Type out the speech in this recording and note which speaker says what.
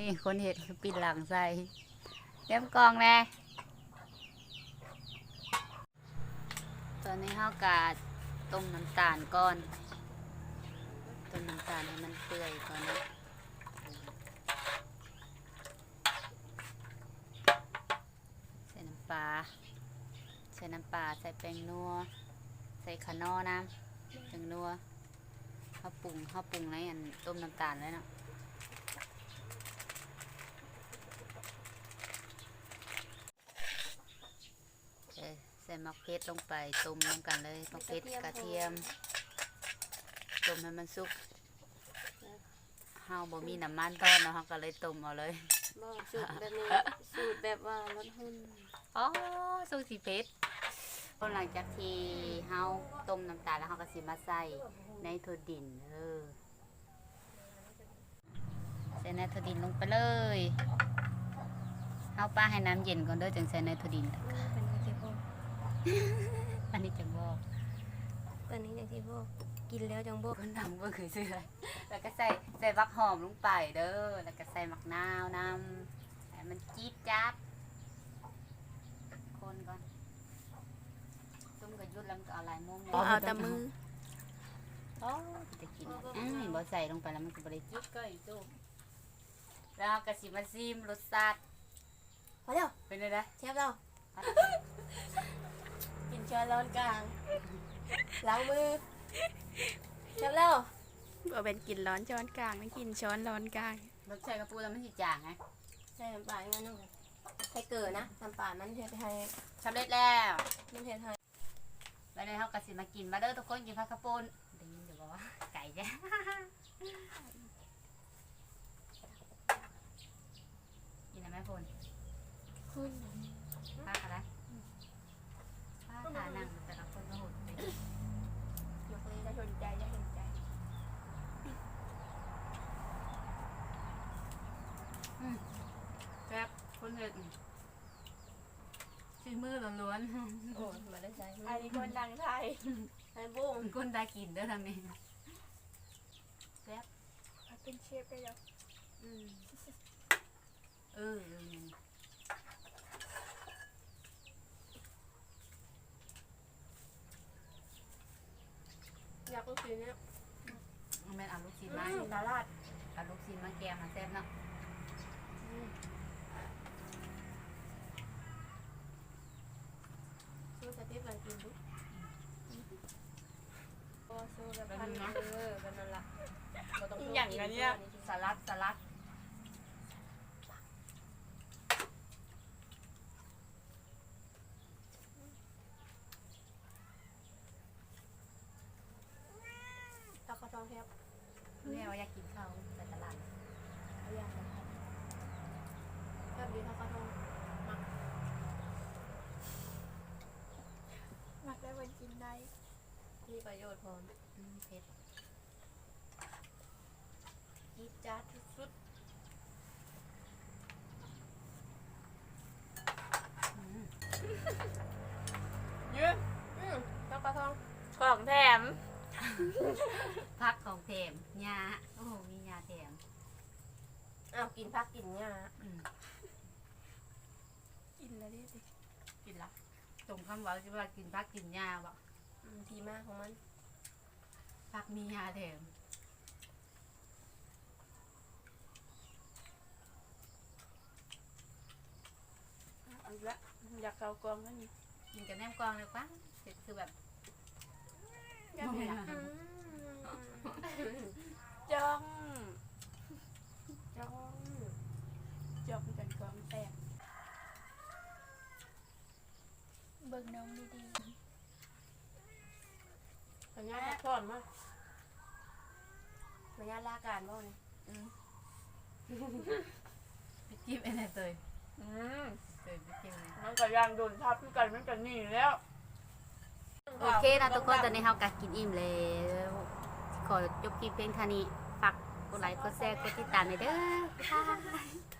Speaker 1: นี่คนเห็ดปิดหลังใส่เต็มกองแน่ตอนนี้เฮากาต้มน้ำตาลก่อนต้มน้ำตาลให้มันเปื่อยก่อนนะใส่น้ำปลาใส่แป้งนัวใส่ขนอน้ำถึงนัวข้าวปรุงในอันต้มน้ำตาลเลยเนาะใส่มะเขือลงไปต้มน้ำกันเลยมะเขือกระเทียมต้มให้มันสุกเฮาบ่มีน้ำมันทอดเนาะเฮาก็เลยต้มเอาเลย
Speaker 2: บ่สูตรแบบนี้สูตรแบบว่าลดหุ่น
Speaker 1: อ๋อสูตรสีเพชรหลังจากที่เฮาต้มน้ำตาลแล้วเฮาก็สิมาใส่ในถั่วดินใส่ในถั่วดินลงไปเลยเฮาป้าให้น้ำเย็นก่อนเด้อจึงใส่ในถั่วดิน
Speaker 2: เป็นจังซี่บ่
Speaker 1: อันนี้จังบอก
Speaker 2: ตอนนี้จังซี่บ่กินแล้วจังบ่
Speaker 1: คนทำก็คือซื้ออะไรแล้วก็ใส่บักหอมลงไปเด้อแล้วก็ใส่มะนาวน้ำให้มันจี๊ดจ๊าดคนก่อนต้มกระยุดแล้วมันก็เอาลายม่วง
Speaker 2: เอาแต่มือ
Speaker 1: โอ้จะกินบ่ใส่ลงไปแล้วมันก็บ่ได้จี๊ดก็อีกจุ๊บแล้วก็สิมาซิมรสชาติ
Speaker 2: พอแล้ว
Speaker 1: เป็นไงนะ
Speaker 2: เชฟเรากินช้อนร้อนกลางล้างมือเชฟเรา
Speaker 3: บ่เป็นกินร้อนช้อนกลางไม่กินช้อนร้อนกลาง
Speaker 1: รสชาติกระปูแล้วมันสิจางไง
Speaker 2: ใส่น้ำปลาอย่างนั้นนึงใส่เกลือนะน้ำปลามันเฮ็ดให้
Speaker 1: สำเร็จแล้ว
Speaker 2: มันเฮ็ดให้
Speaker 1: แล้วเฮาก็สิมากินมาเด้อทุกคนกินผักกระปูนได้ยินอยู่บ่ว่าไก่จ้ะกินได้มั้ยพลป้าอะไรป้าขานั่งแต่ละคนก็หดไป
Speaker 2: ยกเลยจะสนใจจะเห็นใจ
Speaker 1: แซ่บคนเห็ดซีมือล้วน
Speaker 2: ๆโอ้มาได้ใช้
Speaker 3: อันนี้คนดังไทย
Speaker 2: ไอ้บุ้ง
Speaker 1: คนได้กินเด้อทำเองแซ่บ
Speaker 3: เป็นเชฟได้แล้ว
Speaker 2: อยากลูกชิ้นเนี่ย
Speaker 1: แม่เอาลูกชิ้นมา
Speaker 2: ตลาด
Speaker 1: เอาลูกชิ้นมาแกงมาแซ่บเนาะ
Speaker 2: สู้สติ๊กมันกินดูโอ้สู้แบบพันเป็นนั่นละ
Speaker 3: อย่างนั้นเนี่ย
Speaker 1: สลัด
Speaker 2: ตะกะทองแทบ
Speaker 1: แม่ว่าอยากกินข้าวไปตลาด
Speaker 2: เอาอย่างไรแทบดีตะกะทอง
Speaker 3: มักได้วันกินได้
Speaker 2: มีประโยชน์พอ
Speaker 1: เผ็ด
Speaker 2: จี๊ดจ๊าดสุด
Speaker 3: เยอะ
Speaker 2: ตะกะทอง
Speaker 3: ของแถม
Speaker 1: พักของแถมยาโอ้โหมียาแถม
Speaker 2: กินพักกินเนี่ย
Speaker 3: กินแล้วดิ
Speaker 1: กินละตรงคำว่าที่ว่ากินพักกินยาวะ
Speaker 2: ทีมากของมัน
Speaker 1: พักมียาแถม
Speaker 3: เอาละอยากเกากองนั่น
Speaker 1: กินกับแหนมกองเลยปะคือแบบ
Speaker 3: ยังไงจ้องกันกองแตกเบิ่งน้องดี
Speaker 2: ๆสัญญาณพร้อมมั้ยสัญญาณลาการบ่เนี่ย
Speaker 1: พี่กิ๊บไอ้ไหนเตยพี่กิ๊บ
Speaker 3: มันก็ยังโดนทับพี่กันมันกันนี่แล้ว
Speaker 1: โอเคนะทุกคนตอนนี้เฮากัดกินอิ่มแล้วขอจบคลิปเพลงเท่านี้ฝากกดไลค์กดแชร์กดติดตามหน่อยเด้อ